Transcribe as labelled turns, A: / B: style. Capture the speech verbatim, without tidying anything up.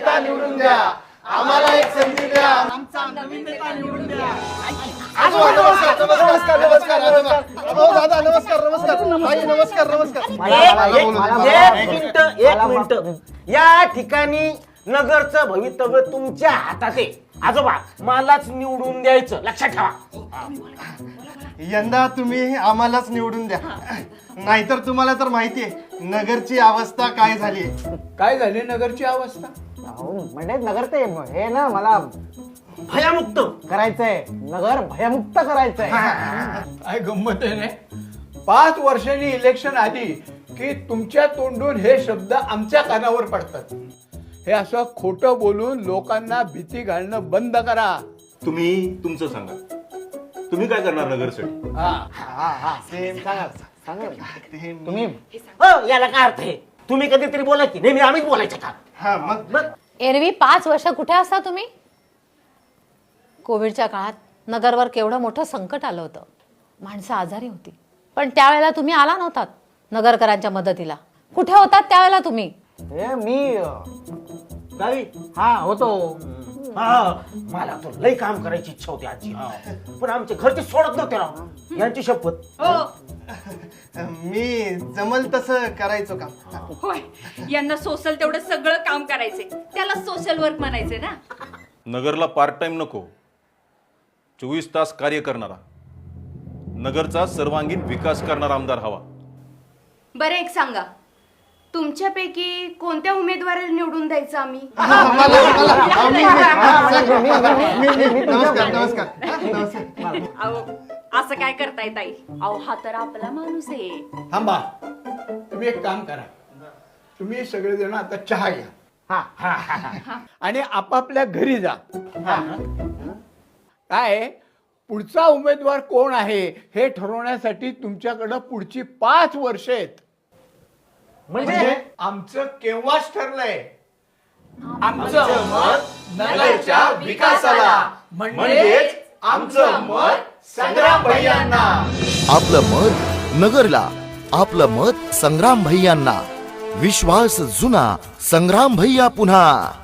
A: नेता निवडून द्या, आम्हाला एक संधी द्या, आमचा नवीन नेता निवडून द्या. आजोबा नमस्कार नमस्कार नमस्कार आजोबा. हो दादा नमस्कार नमस्कार आई नमस्कार नमस्कार.
B: एक मिनिट एक मिनिट या ठिकाणी नगरचं भवितव्य तुमच्या हातात आहे. आजोबा मलाच निवडून द्यायचं लक्षात ठेवा.
A: यंदा तुम्ही आम्हालाच निवडून द्या, नाहीतर तुम्हाला तर माहितीये नगरची अवस्था काय झाली.
C: काय झाली नगरची अवस्था?
D: म्हणजे नगर ते हे ना मला
B: भयमुक्त
D: करायचंय, नगर भयमुक्त करायचंय.
C: काय गंमत आहे ना, पाच वर्षांनी इलेक्शन आली की तुमच्या तोंडून हे शब्द आमच्या कानावर पडतात. हे असं खोटं बोलून लोकांना भीती घालणं बंद करा.
E: तुम्ही तुमचं सांगा, तुम्ही काय करणार नगरसाठी?
C: हा
D: तुम्ही
B: हो याला काय अर्थ आहे? तुम्ही कधीतरी बोला की नेहमी आम्हीच बोलायचं का?
A: हा मग
B: मग
F: एरवी पाच वर्ष कुठे असता तुम्ही? कोविडच्या काळात नगरवर केवढं मोठं संकट आलं होतं, माणसं आजारी होती, पण त्यावेळेला तुम्ही आला नव्हतात नगरकरांच्या मदतीला. कुठे होतात त्यावेळेला तुम्ही?
D: हे मी
B: गावी
D: हा होतो.
B: हा मला तर लई काम करायची इच्छा होती आजी, पण आमचे घरचे सोडत नव्हते राव. यांची शपथ.
A: मी जमल तसं करायचो का.
G: होय, यांना सोशल तेवढं सगळं काम करायचे, त्याला सोशल वर्क म्हणायचे ना.
E: नगरला पार्ट टाइम नको, चोवीस तास कार्य करणारा, नगरचा सर्वांगीण विकास करणारा आमदार हवा.
G: बरं एक सांगा, तुमच्यापैकी कोणत्या उमेदवाराला निवडून द्यायचं आम्ही?
A: नमस्कार नमस्कार नमस्कार.
G: अहो असं काय करताय ताई? अहो हा तर आपला माणूस आहे.
C: थांबा, तुम्ही एक काम करा, तुम्ही सगळेजण आता चहा घ्या आणि आपापल्या घरी जा. काय पुढचा उमेदवार कोण आहे हे ठरवण्यासाठी तुमच्याकडं पुढची पाच वर्ष आहेत. म्हणजे आमचं केव्हाच ठरलंय. आमचं मत नगरच्या विकासाला, म्हणजेच आमचं मत संग्राम भैयांना.
H: आपलं मत नगरला, आपलं मत संग्राम भैयांना. विश्वास जुना, संग्राम भैया पुन्हा.